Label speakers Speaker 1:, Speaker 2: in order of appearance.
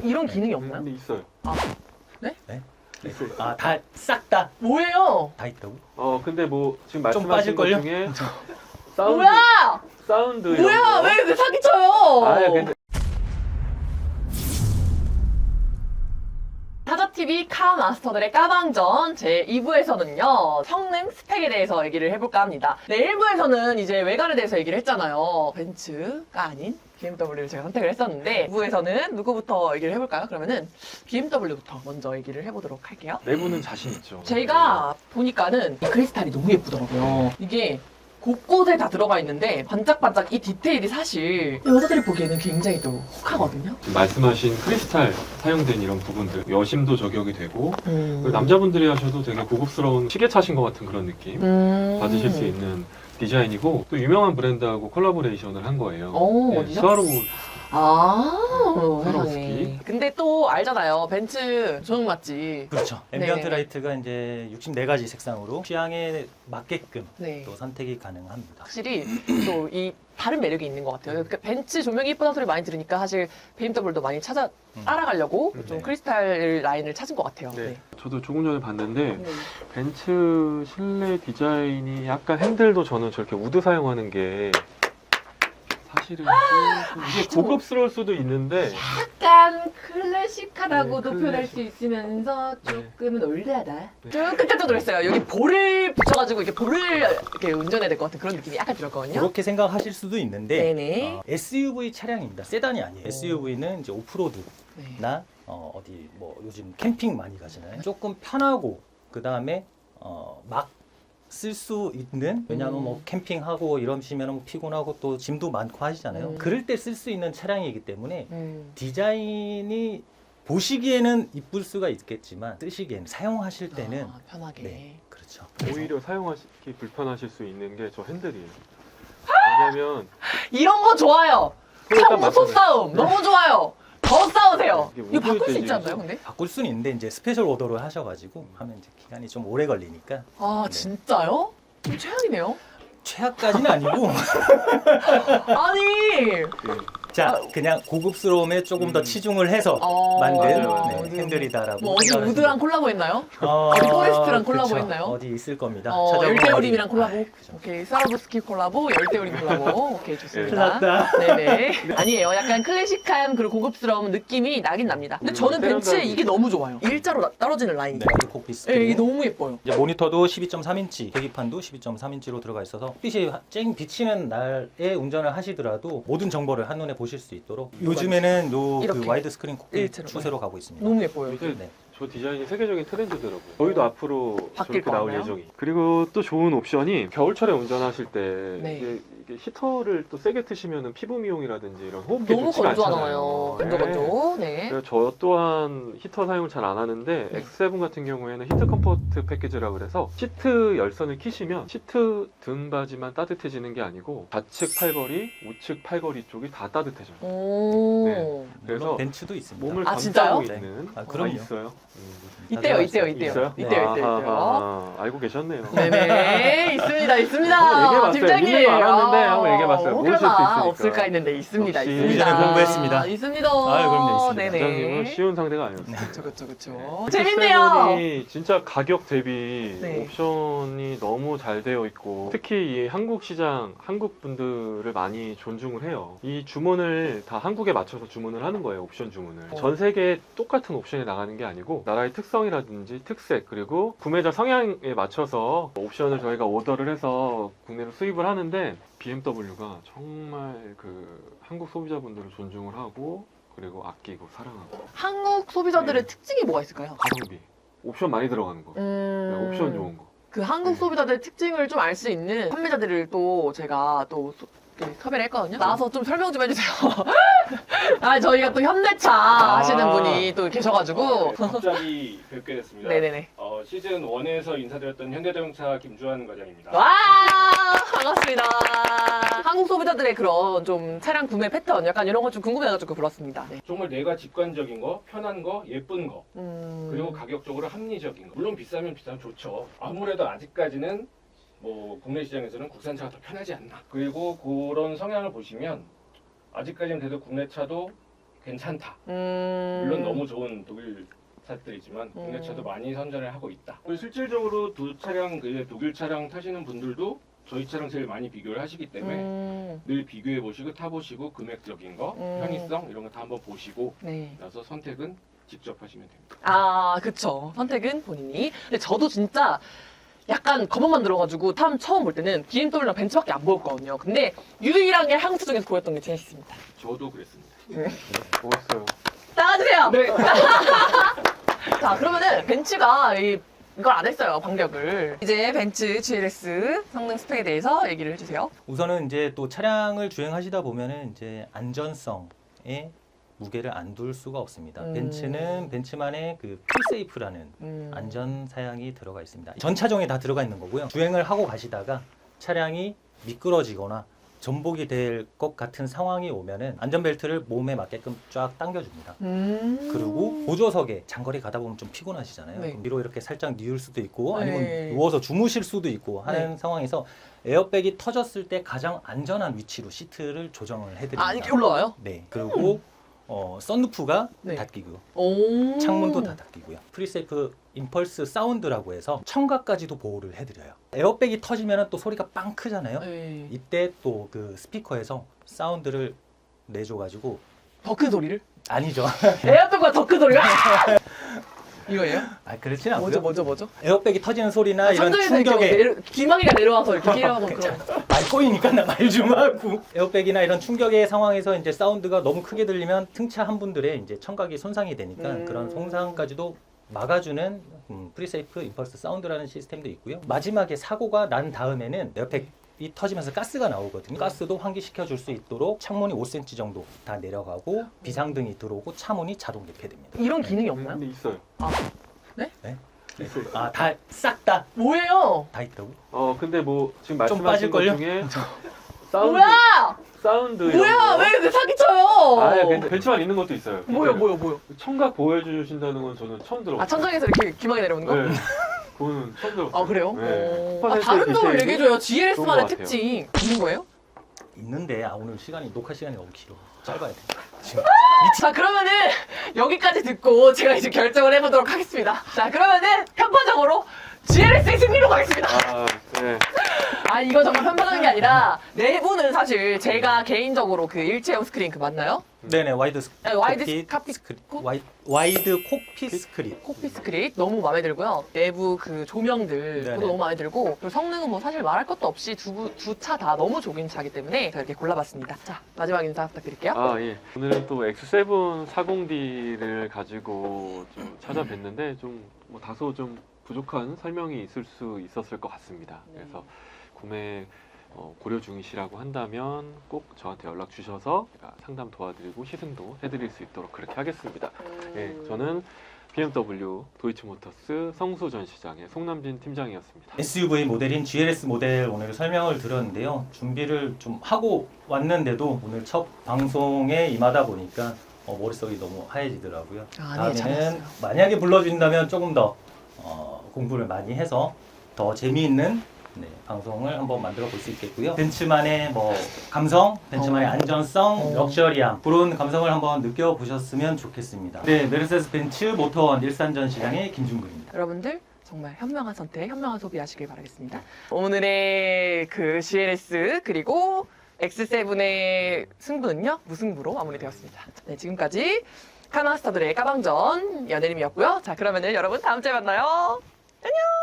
Speaker 1: 이런 기능이 없나요?
Speaker 2: 근데 있어요.
Speaker 1: 네?
Speaker 3: 네?
Speaker 2: 있어요.
Speaker 3: 아, 다 싹 다 다
Speaker 1: 뭐예요?
Speaker 3: 있다고?
Speaker 2: 근데 뭐 지금
Speaker 3: 좀
Speaker 2: 말씀하신 것
Speaker 3: 빠질걸요?
Speaker 2: 중에
Speaker 1: 뭐야?
Speaker 2: 사운드 이런
Speaker 1: 뭐야?
Speaker 2: 거.
Speaker 1: 왜 사기쳐요?
Speaker 2: 아, 근데
Speaker 1: 타자TV 카마스터들의 까방전 제 2부에서는요 성능 스펙에 대해서 얘기를 해볼까 합니다. 네, 1부에서는 이제 외관에 대해서 얘기를 했잖아요. 벤츠가 아닌 BMW를 제가 선택을 했었는데 2부에서는 누구부터 얘기를 해볼까요? 그러면은 BMW부터 먼저 얘기를 해보도록 할게요.
Speaker 2: 내부는 자신 있죠.
Speaker 1: 제가 보니까는 이 크리스탈이 너무 예쁘더라고요. 이게 곳곳에 다 들어가 있는데 반짝반짝 이 디테일이 사실 여자들이 보기에는 굉장히 또 혹하거든요.
Speaker 2: 말씀하신 크리스탈 사용된 이런 부분들 여심도 저격이 되고 그리고 남자분들이 하셔도 되게 고급스러운 시계차신 것 같은 그런 느낌 받으실 수 있는 디자인이고 또 유명한 브랜드하고 콜라보레이션을 한 거예요.
Speaker 1: 오, 어디죠?
Speaker 2: 스와로브
Speaker 1: 세상에.
Speaker 2: 스와로스키.
Speaker 1: 근데 또 알잖아요. 벤츠 조형 맞지?
Speaker 3: 그렇죠.
Speaker 1: 네.
Speaker 3: 앰비언트 라이트가 이제 64가지 색상으로 취향에 맞게끔
Speaker 1: 네.
Speaker 3: 또 선택이 가능합니다.
Speaker 1: 확실히 또 이 다른 매력이 있는 것 같아요. 그러니까 벤츠 조명이 예쁘다는 소리 많이 들으니까 사실 BMW도 많이 따라가려고 좀
Speaker 3: 네.
Speaker 1: 크리스탈 라인을 찾은 것 같아요.
Speaker 2: 네. 저도 조금 전에 봤는데
Speaker 1: 네.
Speaker 2: 벤츠 실내 디자인이 약간 핸들도 저는 저렇게 우드 사용하는 게 사실은 조금 이게
Speaker 1: 좀-
Speaker 2: 고급스러울 수도 있는데
Speaker 1: 약간 클래식하다고도
Speaker 2: 네,
Speaker 1: 표현할
Speaker 2: 클래식.
Speaker 1: 수 있으면서 조금은 올드하다. 좀 끝에도 그랬어요. 여기 볼을 붙여가지고 이렇게 볼을 이렇게 운전해야 될 것 같은 그런 느낌이 약간 들었거든요.
Speaker 3: 그렇게 생각하실 수도 있는데
Speaker 1: 네네.
Speaker 3: SUV 차량입니다. 세단이 아니에요. SUV는 이제 오프로드나
Speaker 1: 네.
Speaker 3: 어디 뭐 요즘 캠핑 많이 가잖아요. 조금 편하고 그 다음에 막 쓸 수 있는, 왜냐하면 뭐 캠핑하고 이러시면 뭐 피곤하고 또 짐도 많고 하시잖아요. 그럴 때 쓸 수 있는 차량이기 때문에 디자인이 보시기에는 이쁠 수가 있겠지만 쓰시기에는 사용하실 때는
Speaker 1: 아, 편하게.
Speaker 3: 네, 그렇죠.
Speaker 2: 오히려 사용하기 불편하실 수 있는 게 저 핸들이에요. 왜냐면
Speaker 1: 이런 거 좋아요.
Speaker 2: 일단
Speaker 1: 평소
Speaker 2: 맞잖아요.
Speaker 1: 싸움 너무 좋아요. 더 싸우세요.
Speaker 2: 이게
Speaker 1: 이거 바꿀 수
Speaker 2: 우드
Speaker 1: 있지 않나요,
Speaker 2: 재질이죠?
Speaker 1: 근데?
Speaker 3: 바꿀 수는 있는데 이제 스페셜 오더를 하셔가지고 하면 이제 기간이 좀 오래 걸리니까
Speaker 1: 아,
Speaker 3: 네.
Speaker 1: 진짜요? 좀 최악이네요.
Speaker 3: 최악까지는 아니고
Speaker 1: 아니.
Speaker 3: 자 그냥 고급스러움에 조금 더 치중을 해서
Speaker 1: 어,
Speaker 3: 만든
Speaker 2: 맞아요.
Speaker 3: 핸들이다라고
Speaker 1: 뭐 어디
Speaker 3: 생각을
Speaker 1: 우드랑
Speaker 3: 하시면
Speaker 1: 콜라보 했나요?
Speaker 3: 돼요.
Speaker 1: 어디 포레스트랑
Speaker 3: 그쵸.
Speaker 1: 콜라보 했나요?
Speaker 3: 어디 있을 겁니다. 찾아보면
Speaker 1: 열대우림이랑
Speaker 3: 어디-
Speaker 1: 콜라보.
Speaker 3: 아, 그죠.
Speaker 1: 오케이. 스와로브스키 콜라보, 열대우림 콜라보. 오케이, 좋습니다.
Speaker 3: 큰일 났다.
Speaker 1: 네네. 아니에요. 약간 클래식한 그리고 고급스러운 느낌이 나긴 납니다. 근데 저는 벤츠에 이게 너무 좋아요. 일자로 떨어지는 라인이.
Speaker 3: 네, 콕피스.
Speaker 1: 네, 이게 너무 예뻐요.
Speaker 3: 이제 모니터도 12.3인치, 계기판도 12.3인치로 들어가 있어서 빛이 쨍 비치는 날에 운전을 하시더라도 모든 정보를 한눈에 보실 수 있도록 요즘에는 요
Speaker 1: 이렇게.
Speaker 3: 그 와이드 스크린 콕핏
Speaker 1: 일체로.
Speaker 3: 추세로 가고 있습니다.
Speaker 1: 너무 예뻐요.
Speaker 2: 이게
Speaker 3: 네.
Speaker 2: 저 디자인이 세계적인 트렌드더라고요. 저희도 앞으로
Speaker 1: 바뀔
Speaker 2: 저렇게
Speaker 1: 거
Speaker 2: 나올
Speaker 1: 같나요?
Speaker 2: 예정이. 그리고 또 좋은 옵션이 겨울철에 운전하실 때
Speaker 1: 네.
Speaker 2: 이게 히터를 또 세게 트시면 피부 미용이라든지 이런 호흡기
Speaker 1: 너무
Speaker 2: 좋지가
Speaker 1: 건조하잖아요.
Speaker 2: 않잖아요.
Speaker 1: 건조. 네.
Speaker 2: 그래서 저 또한 히터 사용을 잘 안 하는데
Speaker 1: 네.
Speaker 2: X7 같은 경우에는 히트 컴포트 패키지라 그래서 시트 열선을 키시면 시트 등받이만 따뜻해지는 게 아니고 좌측 팔걸이, 우측 팔걸이 쪽이 다 따뜻해져요.
Speaker 1: 오.
Speaker 2: 네. 그래서
Speaker 3: 물론 벤츠도 있습니다.
Speaker 2: 몸을
Speaker 1: 아,
Speaker 2: 감싸고
Speaker 1: 진짜요?
Speaker 2: 있는
Speaker 3: 네. 아, 그럼요.
Speaker 2: 있어요.
Speaker 1: 있대요.
Speaker 3: 있어요?
Speaker 2: 있어요?
Speaker 1: 있대요.
Speaker 2: 아하하, 알고 계셨네요.
Speaker 1: 네네. 있습니다.
Speaker 2: 한번
Speaker 1: 있습니다.
Speaker 2: 얘기해봤어요.
Speaker 1: 팀장님.
Speaker 2: 있는 거 알았는데 한번 얘기해봤어요. 모르실 수
Speaker 1: 혹여나
Speaker 2: 있으니까.
Speaker 1: 없을까 했는데 있습니다.
Speaker 2: 역시
Speaker 1: 있습니다.
Speaker 3: 예전에 공부했습니다.
Speaker 1: 있습니다.
Speaker 3: 아유, 그럼요, 있습니다.
Speaker 1: 네네.
Speaker 2: 부장님은 쉬운 상대가 아니었어요.
Speaker 1: 그쵸, 그쵸, 그쵸.
Speaker 2: 네.
Speaker 1: 재밌네요.
Speaker 2: X7이 진짜 가격 대비
Speaker 1: 네.
Speaker 2: 옵션이 너무 잘 되어 있고 특히 이 한국 시장, 한국 분들을 많이 존중을 해요. 이 주문을 다 한국에 맞춰서 주문을 하는 거예요. 옵션 주문을. 전 세계에 똑같은 옵션이 나가는 게 아니고 나라의 특성이라든지 특색 그리고 구매자 성향에 맞춰서 옵션을 저희가 오더를 해서 국내로 수입을 하는데 BMW가 정말 그 한국 소비자분들을 존중을 하고 그리고 아끼고 사랑하고
Speaker 1: 한국 소비자들의
Speaker 2: 네.
Speaker 1: 특징이 뭐가 있을까요?
Speaker 2: 가성비 옵션 많이 들어가는 거 네, 옵션 좋은 거
Speaker 1: 그 한국
Speaker 2: 네.
Speaker 1: 소비자들의 특징을 좀 알 수 있는 판매자들을 또 제가 또 섭외를 했거든요. 나와서 좀 설명 좀 해주세요. 아, 저희가 또 현대차 하시는 분이 또 계셔가지고.
Speaker 4: 갑자기 뵙게 됐습니다.
Speaker 1: 네네네.
Speaker 4: 시즌 1에서 인사드렸던 현대자동차 김주환 과장입니다.
Speaker 1: 와, 반갑습니다. 한국 소비자들의 그런 좀 차량 구매 패턴 약간 이런 거 좀 궁금해가지고 불렀습니다. 네.
Speaker 4: 정말 내가 직관적인 거, 편한 거, 예쁜 거, 그리고
Speaker 1: 음.
Speaker 4: 가격적으로 합리적인 거. 물론 비싸면 좋죠. 아무래도 아직까지는 뭐 국내 시장에서는 국산차가 더 편하지 않나. 그리고 그런 성향을 보시면 아직까지는 그래도 국내 차도 괜찮다. 물론 너무 좋은 독일 차들이지만 국내 차도 많이 선전을 하고 있다. 실질적으로 두 차량, 독일 차량 타시는 분들도 저희 차량 제일 많이 비교를 하시기 때문에 늘 비교해 보시고 타보시고 금액적인 거, 편의성 이런 거 다 한번 보시고
Speaker 1: 네.
Speaker 4: 나서 선택은 직접 하시면 됩니다.
Speaker 1: 아, 그쵸. 선택은 본인이. 근데 저도 진짜 약간 검은만 들어가지고 처음 볼 때는 BMW랑 벤츠밖에 안 보였거든요. 근데 유일하게 한국 차 중에서 보였던 게 제네시스입니다.
Speaker 4: 저도 그랬습니다.
Speaker 2: 뭐였어요?
Speaker 1: 나가주세요!
Speaker 4: 네.
Speaker 1: 자, 그러면은 벤츠가 이걸 안 했어요, 반격을. 이제 벤츠 GLS 성능 스펙에 대해서 얘기를 해주세요.
Speaker 3: 우선은 이제 또 차량을 주행하시다 보면은 이제 안전성에 무게를 안 둘 수가 없습니다. 벤츠는 벤츠만의 그 프리세이프라는 안전 사양이 들어가 있습니다. 전 차종에 다 들어가 있는 거고요. 주행을 하고 가시다가 차량이 미끄러지거나 전복이 될 것 같은 상황이 오면은 안전벨트를 몸에 맞게끔 쫙 당겨줍니다. 그리고 보조석에 장거리 가다 보면 좀 피곤하시잖아요.
Speaker 1: 네.
Speaker 3: 그럼 뒤로 이렇게 살짝 뉘을 수도 있고 아니면
Speaker 1: 네.
Speaker 3: 누워서 주무실 수도 있고 하는
Speaker 1: 네.
Speaker 3: 상황에서 에어백이 터졌을 때 가장 안전한 위치로 시트를 조정을 해드립니다.
Speaker 1: 아, 이렇게 올라와요?
Speaker 3: 네. 그리고 썬루프가
Speaker 1: 네.
Speaker 3: 닫히고요.
Speaker 1: 오.
Speaker 3: 창문도 다 닫히고요. 프리세이프 임펄스 사운드라고 해서 청각까지도 보호를 해드려요. 에어백이 터지면 또 소리가 빵 크잖아요.
Speaker 1: 네.
Speaker 3: 이때 또 그 스피커에서 사운드를 내줘가지고
Speaker 1: 더 큰 소리를?
Speaker 3: 아니죠.
Speaker 1: 에어백보다 더 큰 소리가? 이거예요?
Speaker 3: 아 그렇진 않고요.
Speaker 1: 뭐죠?
Speaker 3: 에어백이 터지는 소리나 이런
Speaker 1: 천장에서
Speaker 3: 충격에
Speaker 1: 이렇게 기망이가 내려와서 이렇게 끼려고 그런.
Speaker 3: 말 꼬이니까 나 말 좀 하고 에어백이나 이런 충격의 상황에서 이제 사운드가 너무 크게 들리면 승차한 분들의 이제 청각이 손상이 되니까 그런 손상까지도 막아주는 프리세이프 임펄스 사운드라는 시스템도 있고요. 마지막에 사고가 난 다음에는 에어백이 터지면서 가스가 나오거든요. 가스도 환기시켜 줄 수 있도록 창문이 5cm 정도 다 내려가고 비상등이 들어오고 차문이 자동 개폐됩니다.
Speaker 1: 이런 기능이 없나요?
Speaker 2: 근데 있어요. 있어요.
Speaker 3: 아, 다 싹 다
Speaker 1: 뭐예요?
Speaker 3: 있다고?
Speaker 2: 근데 뭐 지금
Speaker 3: 좀
Speaker 2: 말씀하신 것
Speaker 3: 빠질걸요?
Speaker 2: 중에
Speaker 1: 뭐야?
Speaker 2: 사운드
Speaker 1: 뭐야?
Speaker 2: 이런 거.
Speaker 1: 왜 이렇게 사기쳐요?
Speaker 2: 아, 근데 벤츠만 있는 것도 있어요.
Speaker 1: 뭐요?
Speaker 2: 청각 보호해 주신다는 건 저는 처음 들어봤어요.
Speaker 1: 아, 천장에서 이렇게 기망이 내려오는 거?
Speaker 2: 네. 그거는 처음 들어봤어요.
Speaker 1: 아, 그래요?
Speaker 2: 네.
Speaker 1: 아, 다른 점을
Speaker 2: 디테일이
Speaker 1: 얘기해줘요.
Speaker 2: 좋은
Speaker 1: GLS만의
Speaker 2: 것 같아요.
Speaker 1: 특징. 있는 거예요?
Speaker 3: 있는데 오늘 녹화 시간이 너무 길어. 짧아야 돼. 지금.
Speaker 1: 자, 그러면은 여기까지 듣고 제가 이제 결정을 해보도록 하겠습니다. 자, 그러면은 편파적으로 GLS의 승리로 가겠습니다.
Speaker 2: 아, 네.
Speaker 1: 아, 이거 정말 편파적인 게 아니라 내부는 사실 제가 개인적으로 그 일체형 스크린 그 맞나요?
Speaker 3: 네네 와이드
Speaker 1: 네, 와이드
Speaker 3: 콕핏
Speaker 1: 콕핏
Speaker 3: 스크린 와이드 콕핏 스크린.
Speaker 1: 콕핏 스크린 너무 마음에 들고요. 내부 그 조명들
Speaker 3: 네네.
Speaker 1: 그것도 너무 마음에 들고 그리고 성능은 뭐 사실 말할 것도 없이 두 차 다 너무 좋은 차기 때문에 제가 이렇게 골라봤습니다. 자, 마지막 인사 부탁드릴게요.
Speaker 2: 아, 예. 오늘은 또 X7 40D를 가지고 좀 찾아뵀는데 좀 뭐 다소 좀 부족한 설명이 있을 수 있었을 것 같습니다.
Speaker 1: 네.
Speaker 2: 그래서 구매 고려 중이시라고 한다면 꼭 저한테 연락 주셔서 제가 상담 도와드리고 시승도 해드릴 수 있도록 그렇게 하겠습니다. 예, 저는 BMW 도이치모터스 성수 전시장의 송남진 팀장이었습니다.
Speaker 3: SUV 모델인 GLS 모델 오늘 설명을 드렸는데요. 준비를 좀 하고 왔는데도 오늘 첫 방송에 임하다 보니까 머릿속이 너무 하얘지더라고요.
Speaker 1: 아, 네,
Speaker 3: 다음에는
Speaker 1: 잘했어요.
Speaker 3: 만약에 불러준다면 조금 더 공부를 많이 해서 더 재미있는 방송을 한번 만들어 볼 수 있겠고요. 벤츠만의 뭐 감성, 벤츠만의 안전성, 럭셔리함 그런 감성을 한번 느껴보셨으면 좋겠습니다. 네, 메르세데스 벤츠 모터원 일산 전시장의 김준근입니다.
Speaker 1: 여러분들 정말 현명한 선택, 현명한 소비하시길 바라겠습니다. 오늘의 그 GLS 그리고 X7의 승부는요 무승부로 마무리되었습니다. 네, 지금까지 카나스타들의 까방전 연예림이었고요. 자, 그러면은 여러분 다음 주에 만나요. 안녕.